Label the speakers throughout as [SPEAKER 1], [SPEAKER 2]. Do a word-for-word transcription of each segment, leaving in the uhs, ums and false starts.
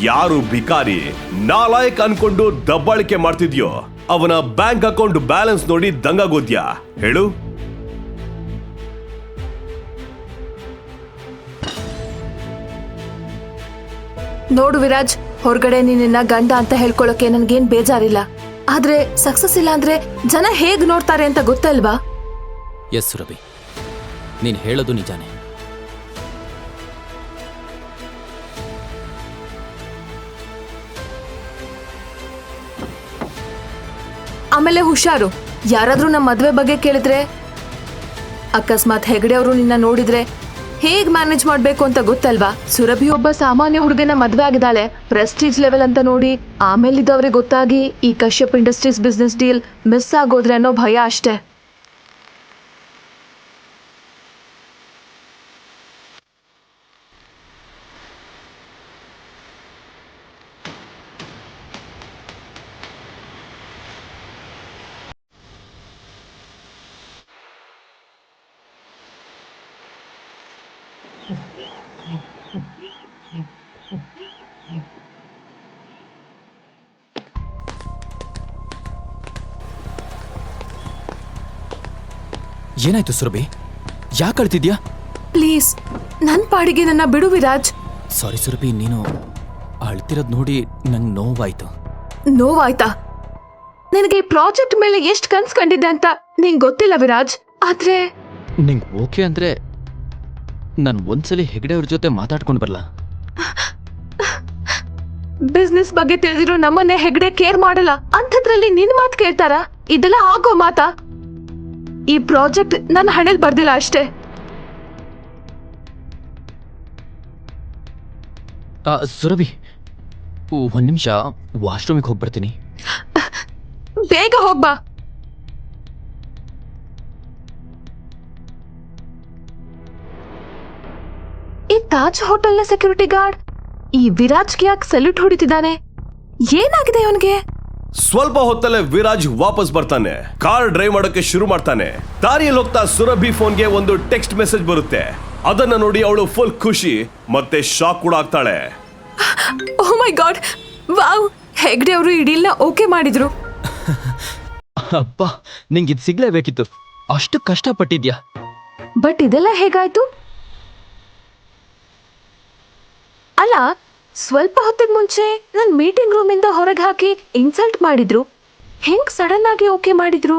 [SPEAKER 1] ಯಾರು ಭಿಕಾರಿ ನಾಲಾಯಕ್ ಅನ್ಕೊಂಡು ದಬ್ಬಾಳಿಕೆ ಮಾಡ್ತಿದ್ಯೋ ಅವನ ಬ್ಯಾಂಕ್ ಅಕೌಂಟ್ ಬ್ಯಾಲೆನ್ಸ್ ನೋಡಿ ದಂಗಾಗೋದ್ಯಾ ಹೇಳು.
[SPEAKER 2] ನೋಡು ವಿರಾಜ್, ಹೊರಗಡೆ ನಿನ್ನ ಗಂಡ ಅಂತ ಹೇಳ್ಕೊಳಕ್ಕೆ ನನ್ಗೇನ್ ಬೇಜಾರಿಲ್ಲ. ಆದ್ರೆ ಸಕ್ಸಸ್ ಇಲ್ಲ ಅಂದ್ರೆ ಜನ ಹೇಗ್ ನೋಡ್ತಾರೆ ಅಂತ ಗೊತ್ತಲ್ವಾ?
[SPEAKER 3] ಎಸ್ ಸುರಭಿ, ನೀನ್ ಹೇಳೋದು ನಿಜಾನೇ.
[SPEAKER 2] ಆಮೇಲೆ ಹುಷಾರು, ಯಾರಾದ್ರೂ ನಮ್ಮ ಮದ್ವೆ ಬಗ್ಗೆ ಕೇಳಿದ್ರೆ, ಅಕಸ್ಮಾತ್ ಹೆಗಡೆ ಅವರು ನಿನ್ನ ನೋಡಿದ್ರೆ ಹೇಗ್ ಮ್ಯಾನೇಜ್ ಮಾಡ್ಬೇಕು ಅಂತ ಗೊತ್ತಲ್ವಾ? ಸುರಭಿ ಒಬ್ಬ ಸಾಮಾನ್ಯ ಹುಡುಗನ ಮದ್ವೆ ಆಗಿದ್ದಾಳೆ, ಪ್ರೆಸ್ಟೀಜ್ ಲೆವೆಲ್ ಅಂತ ನೋಡಿ. ಆಮೇಲೆ ಇದವ್ರಿಗೆ ಗೊತ್ತಾಗಿ ಈ Kashyap industries business deal miss ಆಗೋದ್ರೆ ಅನ್ನೋ ಭಯ ಅಷ್ಟೇ.
[SPEAKER 3] ಏನಾಯ್ತು ಸುರಭಿ? ಯಾಕೆ ಅಳ್ತಿದ್ಯಾ?
[SPEAKER 2] ಪ್ಲೀಸ್ ನನ್ ಪಾಡಿಗೆ ನನ್ನ ಬಿಡು ವಿರಾಜ್.
[SPEAKER 3] ಸಾರಿ ಸುರಭಿ, ನೀನು ಅಳ್ತಿರೋದ್ ನೋಡಿ ನಂಗೆ ನೋವಾಯ್ತು.
[SPEAKER 2] ನೋವಾಯ್ತಾ? ನಿನಗೆ ಈ ಪ್ರಾಜೆಕ್ಟ್ ಮೇಲೆ ಎಷ್ಟು ಕನ್ಸ್ ಕಂಡಿದ್ದೆ ಅಂತ ನಿಂಗೆ ಗೊತ್ತಿಲ್ಲ ವಿರಾಜ್. ಆದ್ರೆ
[SPEAKER 3] ನಿಂಗೆ ಓಕೆ ಅಂದ್ರೆ ನಾನು ಒಂದ್ಸಲಿ ಹೆಗಡೆ ಅವ್ರ ಜೊತೆ ಮಾತಾಡ್ಕೊಂಡು ಬರಲ್ಲ.
[SPEAKER 2] ಬಿಸ್ನೆಸ್ ಬಗ್ಗೆ ತಿಳಿದಿರೋ ನಮ್ಮನ್ನೇ ಹೆಗಡೆ ಕೇರ್ ಮಾಡಲ್ಲ ಅಂಥದ್ರಲ್ಲಿ ನಿನ್ ಮಾತು ಕೇಳ್ತಾರ? ಇದೆಲ್ಲ ಆಗೋ ಮಾತಾ? ಈ ಪ್ರಾಜೆಕ್ಟ್ ನನ್ನ ಹಣೆಲ್ ಬರ್ದಿಲ್ಲ ಅಷ್ಟೇ.
[SPEAKER 3] ಸುರಭಿ, ಒಂದ್ ನಿಮಿಷ ವಾಶ್ರೂಮಿಗೆ ಹೋಗಿ ಬರ್ತೀನಿ.
[SPEAKER 2] ಬೇಗ ಹೋಗ್ಬಾ. ಈ ತಾಜ್ ಹೋಟೆಲ್ನ ಸೆಕ್ಯೂರಿಟಿ ಗಾರ್ಡ್ ಈ ವಿರಾಜ್ಗೆ ಯಾಕೆ ಸಲ್ಯೂಟ್ ಹೊಡಿತಿದ್ದಾನೆ? ಏನಾಗಿದೆ ಅವನಿಗೆ?
[SPEAKER 1] ಸ್ವಲ್ಪ ಹೊತ್ತಲ್ಲೇ ವಿರಾಜ್ ವಾಪಸ್ ಬರ್ತಾನೆ. ಕಾರ್ ಡ್ರೈವ್ ಮಾಡೋಕೆ ಶುರು ಮಾಡ್ತಾನೆ. ದಾರಿಯಲ್ಲಿ ಹೋಗ್ತಾ ಸುರಭಿ ಫೋನ್ಗೆ ಒಂದು ಟೆಕ್ಸ್ಟ್ ಮೆಸೇಜ್ ಬರುತ್ತೆ. ಅದನ್ನ ನೋಡಿ ಅವಳು ಫುಲ್ ಖುಷಿ ಮತ್ತೆ ಶಾಕ್ ಕೂಡ ಆಗ್ತಾಳೆ.
[SPEAKER 2] Oh my god, wow, Hegde ಅವರು ಈ ಡೀಲ್ನ ಓಕೆ ಮಾಡಿದ್ರು.
[SPEAKER 3] ಅಪ್ಪ, ನಿಂಗೆ ಇದು ಸಿಗ್ಲೇಬೇಕಿತ್ತು, ಅಷ್ಟು ಕಷ್ಟಪಟ್ಟಿದ್ಯಾ.
[SPEAKER 2] ಬಟ್ ಇದೆಲ್ಲ ಹೇಗಾಯ್ತು? ಅಲ್ಲ, ಸ್ವಲ್ಪ ಹೊತ್ತಿಗೆ ಮುಂಚೆ ನನ್ ಮೀಟಿಂಗ್ ರೂಮ್ ಇಂದ ಹೊರಗೆ ಹಾಕಿ ಇನ್ಸಲ್ಟ್ ಮಾಡಿದ್ರು. ಹೆಂಗ್ ಸಡನ್ ಆಗಿ ಓಕೆ ಮಾಡಿದ್ರು?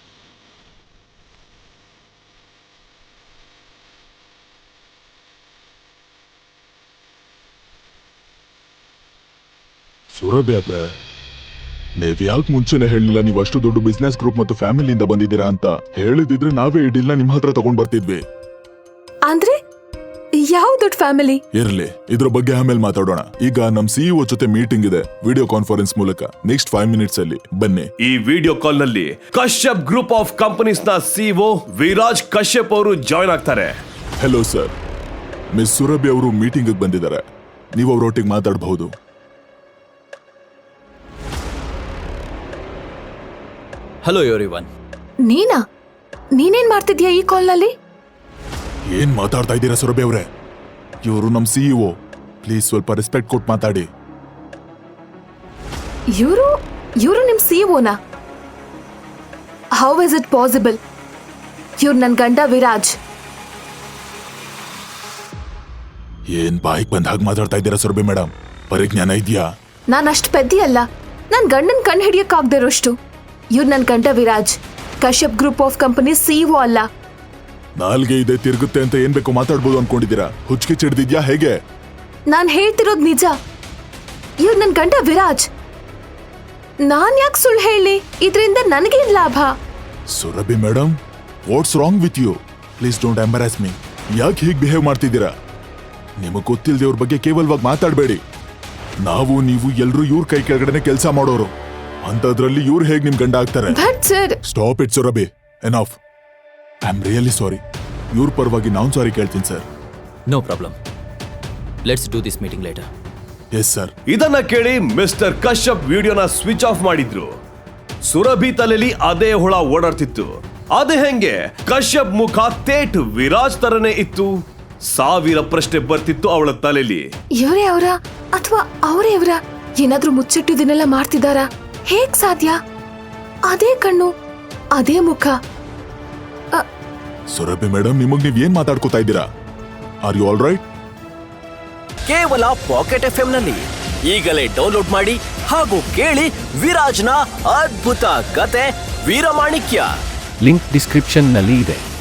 [SPEAKER 4] ಸುರಭಿ ಅವ್ರೆ, ನೀವ್ ಯಾಕೆ ಮುಂಚೆನೆ ಹೇಳಿಲ್ಲ ನೀವು ಅಷ್ಟು ದೊಡ್ಡ ಬಿಸ್ನೆಸ್ ಗ್ರೂಪ್ ಮತ್ತು ಫ್ಯಾಮಿಲಿಯಿಂದ ಬಂದಿದ್ದೀರಾ ಅಂತ? ಹೇಳಿದಿದ್ರೆ ನಾವೇ ಈ ಡೀಲ್ನ ನಿಮ್ ಹತ್ರ ತಗೊಂಡ್ ಬರ್ತಿದ್ವಿ.
[SPEAKER 2] ಅಂದ್ರೆ ಯಾವ ದೊಡ್ಡ ಫ್ಯಾಮಿಲಿ?
[SPEAKER 4] ಇರ್ಲಿ, ಇದ್ರ ಬಗ್ಗೆ ಆಮೇಲೆ ಮಾತಾಡೋಣ. ಈಗ ನಮ್ ಸಿಇಒ ಜೊತೆ ಮೀಟಿಂಗ್ ಇದೆ ವಿಡಿಯೋ ಕಾನ್ಫರೆನ್ಸ್ ಮೂಲಕ. ನೆಕ್ಸ್ಟ್ ಫೈವ್ ಮಿನಿಟ್ಸ್ ಅಲ್ಲಿ ಬನ್ನಿ.
[SPEAKER 1] ಈ ವಿಡಿಯೋ ಕಾಲ್ ನಲ್ಲಿ ಕಶ್ಯಪ್ ಗ್ರೂಪ್ ಆಫ್ ಕಂಪನೀಸ್ ನ ಸಿಇಒ ವಿರಾಜ್ ಕಶ್ಯಪ್ ಅವರು ಜಾಯ್ನ್ ಆಗ್ತಾರೆ.
[SPEAKER 4] ಹೆಲೋ ಸರ್, ಮಿಸ್ ಸುರಭಿ ಅವರು ಮೀಟಿಂಗ್ ಬಂದಿದ್ದಾರೆ. ನೀವು ಅವರೊಟ್ಟಿಗೆ ಮಾತಾಡಬಹುದು.
[SPEAKER 3] Hello everyone.
[SPEAKER 2] ನೀನಾ? ನೀನೇನ್ ಮಾಡ್ತಿದ್ಯಾ ಈ ಕಾಲ್ ನಲ್ಲಿ?
[SPEAKER 4] ಏನ್ ಮಾತಾಡ್ತಾ ಇದ್ದೀರಾ ಸುರಭಿ ಅವರೇ? ಇವರು ನಮ್ ಸಿಇಒ, ಪ್ಲೀಸ್ ಸ್ವಲ್ಪ ರೆಸ್ಪೆಕ್ಟ್ ಕೊಟ್ಟು ಮಾತಾಡಿ.
[SPEAKER 2] ಇವರು ಇವರು ನಿಮ್ ಸಿಇಒನಾ? How is it possible? ಇವ್ರು ನನ್ ಗಂಡ ವಿರಾಜ್.
[SPEAKER 4] ಏನ್ ಬಾಯಿಗೆ ಬಂದ ಹಾಗೆ ಮಾತಾಡ್ತಾ ಇದ್ದೀರಾ ಸುರಭಿ ಮೇಡಮ್? ಪರಿಜ್ಞಾನ ಇದೆಯಾ?
[SPEAKER 2] ನಾನ್ ಅಷ್ಟು ಪೆದ್ದಿ ಅಲ್ಲ, ನನ್ ಗಂಡನ್ ಕಣ್ ಹಿಡಿಯಕ್ ಆಗದಿರೋಷ್ಟು. ಇವ್ರು ನನ್ ಗಂಡ Viraj, Kashyap group of company CEO ಅಲ್ಲ.
[SPEAKER 4] ನಾಲ್ಗೆ ಇದೆ ತಿರುಗುತ್ತೆ ಅಂತ ಏನ್ ಬೇಕು ಮಾತಾಡ್ಬೋದು ಅನ್ಕೊಂಡಿದ್ದೀರಾ? ಹುಚ್ಚಿಗೆ ಚಿಡ್ದಿದ್ಯಾ ಹೇಗೆ?
[SPEAKER 2] ನಾನ್ ಹೇಳ್ತಿರೋದ್ ನಿಜ. ಇವ್ರು ನನ್ ಗಂಡ ವಿರಾಜ್. ನಾನ್ ಯಾಕೆ ಸುಳ್ಳು ಹೇಳಿ? ಇದರಿಂದ ನನಗೇನ್ ಲಾಭ?
[SPEAKER 4] Surabhi madam, what's wrong with you? Please don't embarrass me. ಯಾಕೆ ಹೀಗೆ ಬಿಹೇವ್ ಮಾಡ್ತಿದ್ದೀರಾ? ನಿಮಗ್ ಗೊತ್ತಿಲ್ಲದೆ ಅವ್ರ ಬಗ್ಗೆ ಕೇವಲವಾಗಿ ಮಾತಾಡಬೇಡಿ. ನಾವು ನೀವು ಎಲ್ರು ಇವ್ರ ಕೈ ಕೆಳಗಡೆ ಕೆಲಸ ಮಾಡೋರು, ಅಂತದ್ರಲ್ಲಿ ಇವ್ರು ಹೇಗೆ ನಿಮ್ ಗಂಡ ಆಗ್ತಾರೆ? Stop it Surabhi, enough. I am really sorry. ಇವ್ರ ಪರವಾಗಿ ನಾನು ಸಾರಿ ಕೇಳ್ತೀನಿ sir.
[SPEAKER 3] No problem, let's do this meeting later.
[SPEAKER 4] Yes sir.
[SPEAKER 1] ಇದನ್ನ ಕೇಳಿ ಮಿಸ್ಟರ್ ಕಶ್ಯಪ್ ವಿಡಿಯೋನ ಸ್ವಿಚ್ ಆಫ್ ಮಾಡಿದ್ರು. ಸುರಭಿ ತಲೆಯಲ್ಲಿ ಅದೇ ಹುಳ ಓಡಾಡ್ತಿತ್ತು. ಅದೇ ಹೆಂಗೆ ಕಶ್ಯಪ್ ಮುಖ ತೇಟ್ ವಿರಾಜ್ ತರನೇ ಇತ್ತು. ಸಾವಿರ ಪ್ರಶ್ನೆ ಬರ್ತಿತ್ತು ಅವಳ ತಲೆಯಲ್ಲಿ.
[SPEAKER 2] ಇವರೇ ಅವರ ಅಥವಾ ಅವರೇ ಇವರ? ಏನಾದ್ರೂ ಮುಚ್ಚಿಟ್ಟಿದ್ದನ್ನೆಲ್ಲ ಮಾಡ್ತಿದಾರಾ? ಹೇಗ್ ಸಾಧ್ಯ? ಅದೇ ಕಣ್ಣು, ಅದೇ ಮುಖ.
[SPEAKER 4] ಸುರಭಿ ಮೇಡಮ್, ನಿಮಗ್ ನೀವ್ ಏನ್ ಮಾತಾಡ್ಕೋತಾ ಇದ್ದೀರಾ? Are you all right?
[SPEAKER 5] ಕೇವಲ ಪಾಕೆಟ್ ಎಫ್ ಎಂ ನಲ್ಲಿ ಈಗಲೇ ಡೌನ್ಲೋಡ್ ಮಾಡಿ ಹಾಗೂ ಕೇಳಿ ವಿರಾಜ್ನ ಅದ್ಭುತ ಕತೆ ವೀರಮಾಣಿಕ್ಯ.
[SPEAKER 6] ಲಿಂಕ್ ಡಿಸ್ಕ್ರಿಪ್ಷನ್ ನಲ್ಲಿ ಇದೆ.